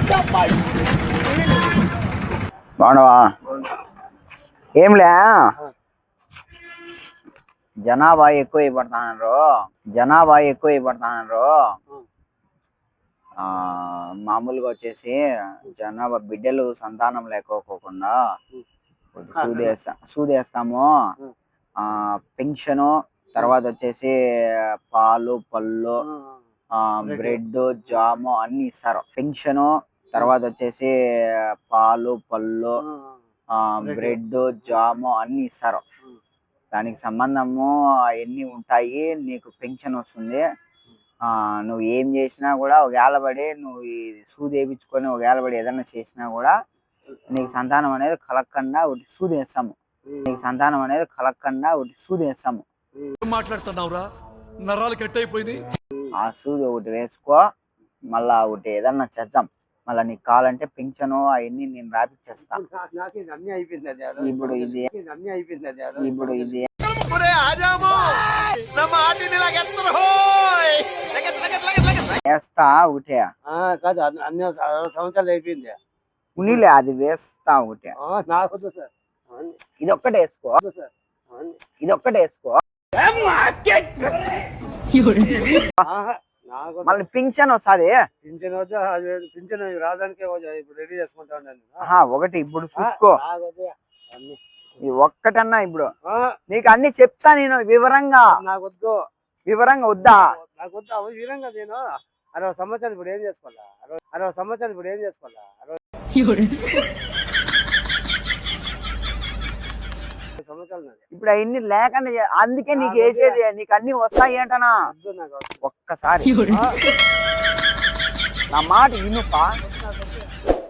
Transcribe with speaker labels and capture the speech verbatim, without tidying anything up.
Speaker 1: బాగున్నావా? ఏంలే, జనాభా ఎక్కువ అయిపడుతున్నారు జనాభా ఎక్కువ అయిపడుతున్నారు ఆ మామూలుగా వచ్చేసి జనాభా బిడ్డలు సంతానం లేకోకుండా సూదేస్తా సూదేస్తాము. ఆ పెన్షను, తర్వాత వచ్చేసి పాలు పళ్ళు, బ్రెడ్, జాము అన్ని ఇస్తారు. పెన్షను, తర్వాత వచ్చేసి పాలు పళ్ళు, బ్రెడ్, జాము అన్ని ఇస్తారు. దానికి సంబంధము అవన్నీ ఉంటాయి. నీకు పెన్షన్ వస్తుంది. ఆ నువ్వు ఏం చేసినా కూడా ఒకవేళ పడి నువ్వు ఈ సూది వేయించుకొని ఒకవేళ పడి ఏదైనా చేసినా కూడా నీకు సంతానం అనేది కలగకుండా ఒకటి సూది వేస్తాము. నీకు సంతానం అనేది కలగకుండా ఒకటి సూది వేస్తాము.
Speaker 2: మాట్లాడుతున్నావురా, నరాలు కట్ అయిపోయింది.
Speaker 1: ఆ సూది ఒకటి వేసుకో, మళ్ళా ఒకటి ఏదన్నా చేద్దాం. మళ్ళీ నీకు కావాలంటే పింఛను అవన్నీ నేను రాపిచ్చేస్తా. ఇప్పుడు ఇది ఇప్పుడు ఇది వేస్తా ఒకటే
Speaker 3: కాదు, అన్ని సంవత్సరాలు అయిపోయింది.
Speaker 1: ఉన్నీలే అది వేస్తా ఒకటే.
Speaker 3: నాకు సార్,
Speaker 1: ఇది ఒక్కటే వేసుకో, ఇది ఒక్కటే వేసుకో. మళ్ళీ పింఛన్ వస్తుంది.
Speaker 3: పింఛన్ వద్దు, పింఛన్ రావడానికి ఇప్పుడు రెడీ చేసుకుంటా ఉన్నాను.
Speaker 1: ఒకటి ఇప్పుడు చూసుకో, ఇది ఒక్కటన్నా ఇప్పుడు నీకు అన్ని చెప్తా నేను వివరంగా.
Speaker 3: నాకు వద్దు,
Speaker 1: వివరంగా వద్దా?
Speaker 3: నాకు వద్దు వివరంగా. నేను అరవై సంవత్సరాలు ఇప్పుడు ఏం చేసుకోవాలా? అరవై అరవై సంవత్సరాలు ఇప్పుడు ఏం చేసుకోవాలా? అరవై సంవత్సరాలు
Speaker 1: ఇప్పుడు అవన్నీ లేకుండా, అందుకే నీకు వేసేది. నీకు అన్ని వస్తాయి అంటనా? ఒక్కసారి నా మాట వినుపా.